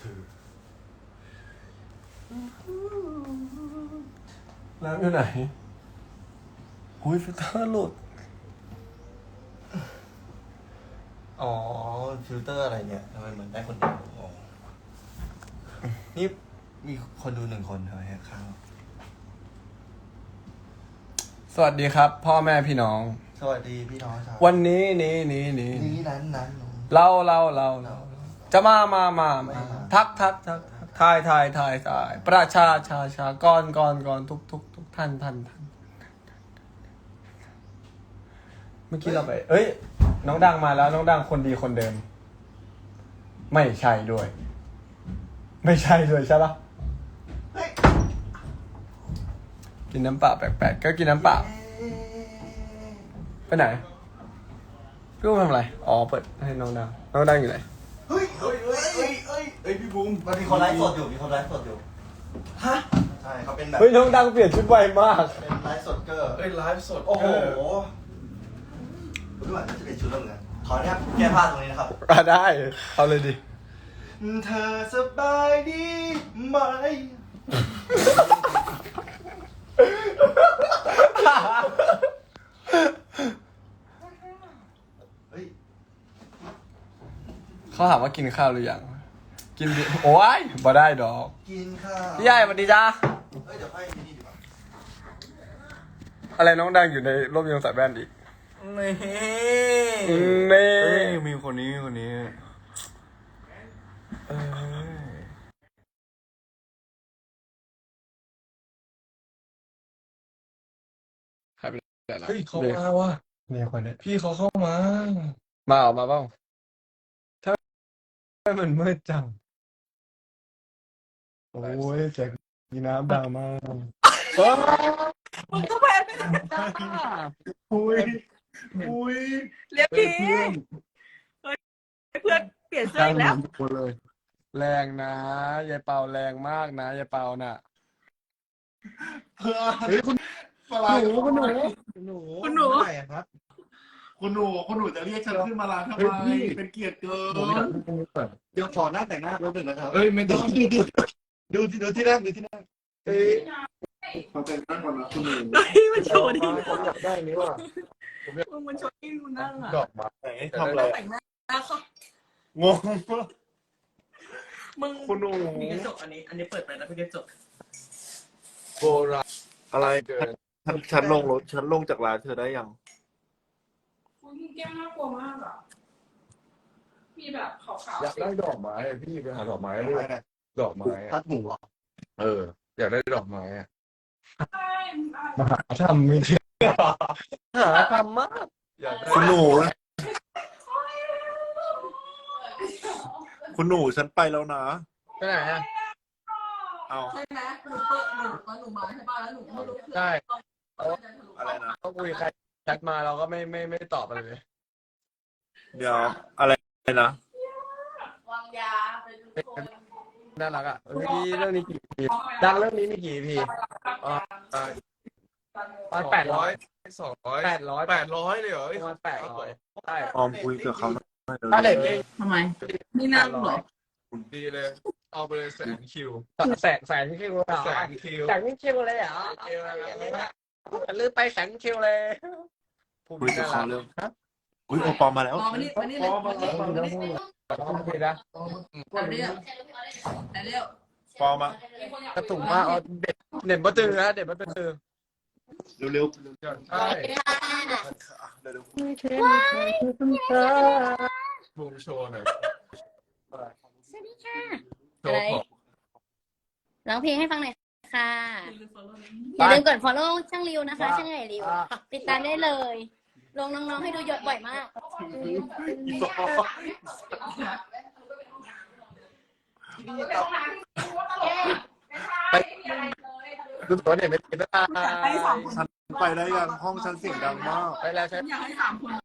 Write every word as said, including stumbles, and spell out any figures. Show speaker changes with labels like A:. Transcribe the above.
A: อแล้วอยู่ไหนอุ้ยฟิลเตอร์หลุด
B: อ๋อฟิลเตอร์อะไรเนี่ยทำไมเหมือนได้คนเดียวอ๋อนี่มีคนดูหนึ่งคนทำไมฮะข้าง
A: สวัสดีครับ พ่อแม่พี่น้อง
B: สวัสดีพี่น้องชาว
A: วันนี้นี้นี้นี้
B: นี้นั้นนั้น
A: เราเราเราเราจะมามามามา
B: มา
A: ทักทักทักทายทายทายทายประชาชาชากรกรกรทุกทุกทุกท่านท่านท่านเมื่อกี้เราไป เอ้ย น้องดังมาแล้ว น้องดังคนดีคนเดิม ไม่ใช่ด้วย ไม่ใช่ด้วยใช่ปะกินน้ำเปล่าแปลกๆก็กินน้ำเปล่าไปไหนพี่บูมทำอะไรอ๋อเปิดให้น้องดังน้องดังอยู่ไหน
B: เฮ้ยเฮ้ยเฮ้ยเฮ้ยเฮ้ยเฮ้ยพี่บูมมันมีคนไลฟ์สดอยู่มีคนไลฟ์สดอยู่ฮะใช่เขาเป็นแบบ
A: เฮ้ยน้องดังเปลี่ยนชุดไวมาก
B: เป็นไลฟ์สดเกอร์
C: เอ้ยไลฟ์สด
B: โอ้โหดูว่าจะเป็นชุดแล้วเหมือนกันขออนุญาตแก้ผ้าตรงนี้นะครับ
A: อ่ะได้เอาเลยดิ
B: เธอสบายดีไหมเฮ้ย
A: เขาถามว่ากินข้าวหรือยังกินดิโอ้ยบ่ได้ดอก
B: กินข้าว
A: พี่ใหญ่สวัสดีจ้า
B: เฮ้ยเดี๋ยวให้นี่ดีกว่า
A: อะไรน้องดังอยู่ในร่มยงสายแว่นอีก
B: นี่
A: นี่
B: เฮ้ยมีคนนี้มีคนนี้เออ
A: ใครไปไหนล่ะ
C: เฮ้ยเขามาว่ะ
A: มีคนเนี้ย
C: พี่เขาเข้ามา
A: มาออกมาเปล่าถ้ามันมืดจังโอ้ยแจกมีน้ำดังมาก
D: มึงก็แพ้ไปแล้วจ้า
A: อุ้ยอุ้ย
D: เรียกพี่เฮ้ยเพื่อนเปลี่ยนเสื้ออีกแล้ว
A: คนเลย แรงนะยายเปาแรงมากนะยายเปาน่ะ
C: เฮ้ยคุณปลาหนูคุณหนูหนู
D: คุณหนู
C: ไหนอะครับ คุณหนูคุณหนูจะเรียกฉันขึ้นมาลาทำไมเป็นเกียรติเกิน
B: เดี๋ยวขอหน้าแต่งหน้าแป๊บนึงนะครับ
C: เอ้ยไม่ต้อง
B: ดูดูดูที่ดูที่นั่งดูที่นั่งเอ้ย
C: เขาแต่งตั้งก่อนนะคุณหนู
D: เฮ้ยมันโชว์ดิ
C: ผมอยากได้นี้ว่ะ
D: มึงมันโชว์ที่กูนั่งอ่ะ
C: ดอกไม้
B: ไหนทำอะไร
D: แต่งหน้าเขา
B: งง
D: มึง
C: คุณหนู
D: มีกระจกอันนี้ อันนี้เปิดไปแล้วเป็นกระจก
C: โบราณ
B: อะไร
C: เกิน
B: ฉันฉันลงรถฉันลงจากร้านเธอได้ยัง
E: คุณแก้มน่ากลัวมากอ่ะ มีแบบขาว
C: อยากได้ดอกไม้อะพี่ไปหาดอกไม้ด้วยดอกไม้
B: พั
C: อะ
B: ดหมูเหรอ
C: เออ อยากได้ดอกไม้อะ
E: ๆใช่มันอะไร
A: มหาธรรมไม่ใช่หาธรรมมาก
C: อยากได้
B: คุณหนูคุณหนูฉันไปแล้วนะ
A: ไปไหนอ่ะ
B: เอา
D: ใช่ไหมหนูเปิดหนูตอนหนูมาใช่ป่ะแล้วหนูไม่รู้
A: ใช่
B: อะไรนะ
A: ก็คุยใครแชทมาเราก็ไม่ไม่ไม่ตอบอะไรเลย
B: เดี๋ยวอะไรนะ
E: วางยาไปดูคน
A: น่ารักอ่ะเฮ้ยเรื่องนี้กี่พีดังเรื่องนี้มีกี่พีประมาณแปดร้อย
C: สองร้อย
A: แปดร้อย
C: แปดร้อยเลยเหรอ
A: ประมาณแปดร้อยใช่
B: ออมคุยกับเขาหน่อย
A: ถ้าเด็กเอง
D: ทำไม นี่นั่งเหรอ
C: ดีเลย เอาไปเลยแสนคิว
A: แสนแสนคิวเหรอ
C: แสนคิว
A: แสนคิวเลยเหรอลืมไปแสนคิวเลยพูด
B: คุยกับ
A: น่า
B: เขา
A: รัก
B: เร็วอุ้ยโอปอมมาแล้ว
D: รอมานี่มานี่เลยมานี่มานี่
A: ต้องคุยนะ
D: มานี่แต่เร็ว
B: ปอมมาก
A: ระตุกมากเอาเด็ดเด็ดบัตเตอร์นะเด็ดบัตเตอร์
B: เร็วเร็ว
C: ใช่
B: เร็วเร็ว
C: บูมโชว์หน่อย
F: สวัสดีค่ะ
C: โชว์ของ
F: ร้องเพลงให้ฟังหน่อยค่ะ อย่าลืมกด follow ช่างริวนะคะ ช่างใหญ่ริว ติดตามได้เลย ลงน้องๆให้ดูเยอะบ่อยมาก
A: ไปดูตัวเด็ดไม่ติดนะ
D: ให้สามคน
B: ฉันไปได้ยังห้องฉันเสียงดังมาก
A: ไปแล้วใช่
D: อยากให้สามคน